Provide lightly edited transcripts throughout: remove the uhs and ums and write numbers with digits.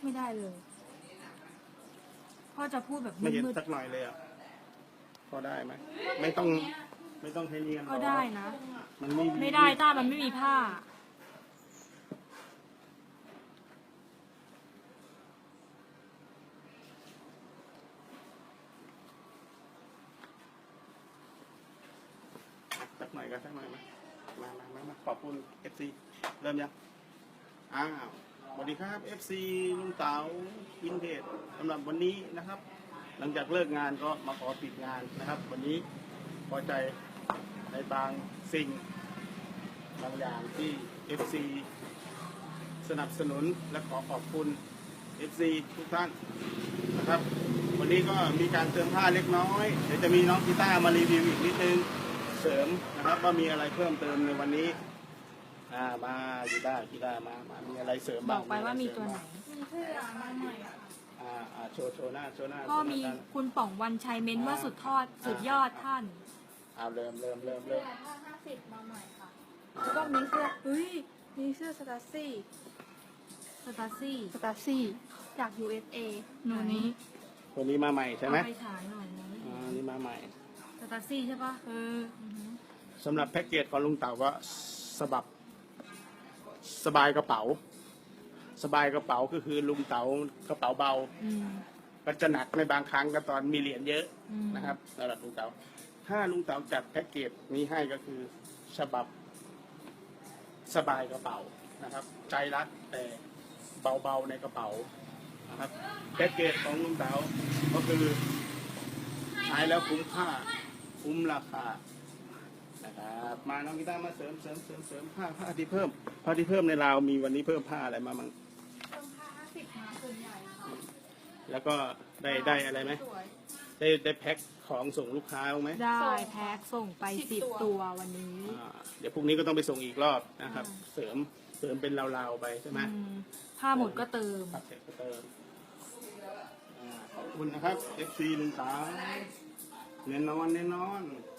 ไม่ได้เลยพ่อจะพูดแบบไม่เห็นมืดสักหน่อยเลยอ่ะพอได้ไหมไม่ต้องให้เนียนๆก็ได้นะมันไม่ได้ต้ามันไม่มีผ้าสักหน่อยก็สักหน่อยมาขอบคุณ FC เริ่มยังอ้าวสวัสดีครับ FC ลุงเต๋าอินเทจสำหรับวันนี้นะครับ หลังจากเลิกงานก็มาขอปิดงานนะครับ วันนี้พอใจในบางสิ่งบางอย่างที่ FC สนับสนุนและขอขอบคุณ FC ทุกท่านนะครับ วันนี้ก็มีการเติมผ้าเล็กน้อยเดี๋ยวจะมีน้องกีตาร์มารีวิวอีกนิดนึงเสริมนะครับว่ามีอะไรเพิ่มเติมในวันนี้มากีตาร์มามีอะไรเสริมบบ้างอกไปว่ามีตัวไหนโชว์หน้าพ่อมีคุณป๋องวันชัยเม้นว่าสุดยอดท่านเริ่มผ้า50มาใหม่ค่ะแล้วก็มีเสื้อมีเสื้อสตาซี่จาก USA หนูนี้ตัวนี้มาใหม่ใช่ไหมเอาไปฉายหน่อยนะนี่มาใหม่สตาซี่ใช่ปะสำหรับแพ็กเกจของลุงเต๋าก็สบายกระเป๋าก็คือลุงเต๋ากระเป๋าเบาก็จะหนักในบางครั้งก็ตอนมีเหรียญเยอะนะครับสำหรับลุงเต๋าถ้าลุงเต๋าจัดแพ็กเกจนี้ให้ก็คือฉบับสบายกระเป๋านะครับใจรักแต่เบาๆในกระเป๋านะครับแพ็กเกจของลุงเต๋าก็คือใช้แล้วคุ้มค่าคุ้มราคานะครับมาน้องกีตาร์มาเสริมผ้าที่เพิ่มในราวมีวันนี้เพิ่มผ้าอะไรมามั่งเพิ่มผ้า50มาส่วนใหญ่ค่ะแล้วก็ได้อะไรไหมสวยได้แพ็คของส่งลูกค้าบ้างไหมได้แพ็คส่งไป10 ตัววันนี้เดี๋ยวพรุ่งนี้ก็ต้องไปส่งอีกรอบนะครับ เสริมเป็นราวๆไปใช่ไหมผ้าหมดก็เติมครับเสร็จก็เติมขอบคุณนะครับ FC ลุงเต๋าแน่นอน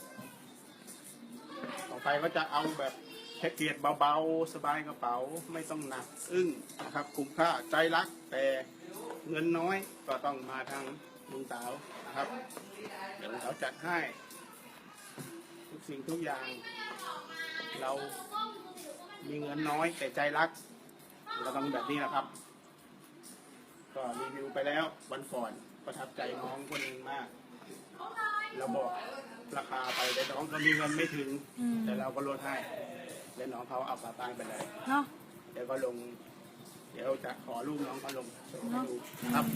ต่อไปก็จะเอาแบบแพ็กเกจเบาๆสบายกระเป๋าไม่ต้องหนักนะครับคุ้มค่าใจรักแต่เงินน้อยก็ต้องมาทางลุงเต๋านะครับเดี๋ยวลุงเต๋าจัดให้ทุกสิ่งทุกอย่างเรามีเงินน้อยแต่ใจรักเราต้องแบบนี้นะครับก็รีวิวไปแล้ววันก่อนประทับใจน้องคนหนึ่งมากเราบอกราคาไปแต่น้องก็มีเงินไม่ถึงแต่เราก็ลดให้แล้วน้องเขาเอากลับบ้านไปเลยเนาะเดี๋ยวจะขอรูปน้องเขาลงโชว์ให้ดูนะครับ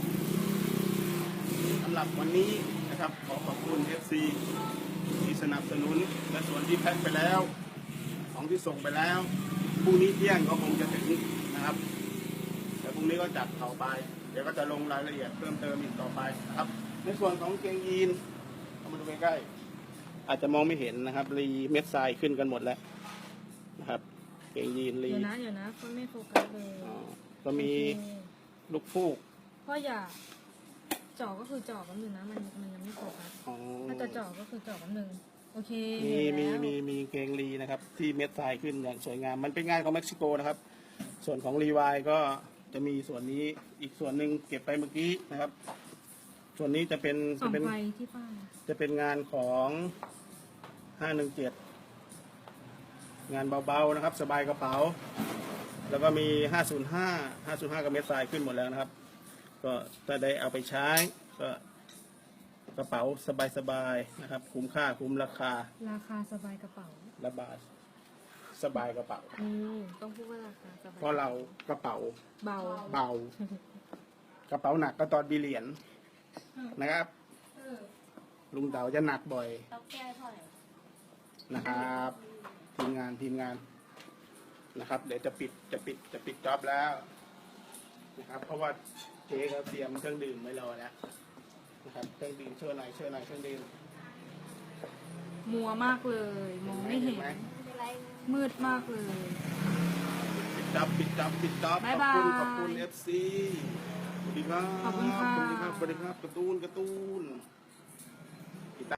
สำหรับวันนี้นะครับขอบคุณ FC ที่สนับสนุนและส่วนที่แพ็คไปแล้วของที่ส่งไปแล้วพรุ่งนี้เที่ยงก็คงจะถึงนะครับแต่พรุ่งนี้ก็จัดเผาไปเดี๋ยวก็จะลงรายละเอียดเพิ่มเติมอีกต่อไปนะครับในส่วนของเกงยีนเอามาดูใกล้ๆอาจจะมองไม่เห็นนะครับรีเม็ดทรายขึ้นกันหมดแล้วนะครับเกงยีนรีเดี๋ยวนะเขาไม่โฟกัสเลยก็มีลูกฟูกพ่ออย่าจ่อก็คือจ่อกันหนึ่งนะมันยังไม่โฟกัสถ้าจะจ่อก็คือจ่อกันหนึ่งโอเคมีเกงรีนะครับที่เม็ดทรายขึ้นอย่างสวยงามมันเป็นงานของเม็กซิโกนะครับส่วนของรีวายก็จะมีส่วนนี้อีกส่วนหนึ่งเก็บไปเมื่อกี้นะครับส่วนนี้จะเป็นส่องไฟที่ป้าจะเป็นงานของ517งานเบาๆนะครับสบายกระเป๋าแล้วก็มี505กับเม็ดทรายขึ้นหมดแล้วนะครับก็ถ้าได้เอาไปใช้ก็กระเป๋าสบายๆนะครับคุ้มค่าคุ้มราคาสบายกระเป๋าระบาดสบายกระเป๋าต้องพูดว่าราคาสบายเพราะเรากระเป๋าเบากระเป๋าหนักก็ตอนมีเหรียญนะครับลุงเต๋าจะหนักบ่อยต้องแก้เท่าไหร่นะครับทีมงานนะครับเดี๋ยวจะปิดจ็อบแล้วนะครับเพราะว่าเจ๊เขาเตรียมเครื่องดื่มไว้รอแล้วนะครับเครื่องดื่มเชิญหน่อยเครื่องดื่มมัวมากเลยมองไม่เห็นมืดมากเลยปิดจ็อบบ๊ายบายขอบคุณ FC สวัสดีครับขอบคุณค่ะสวัสดีครับการ์ตูน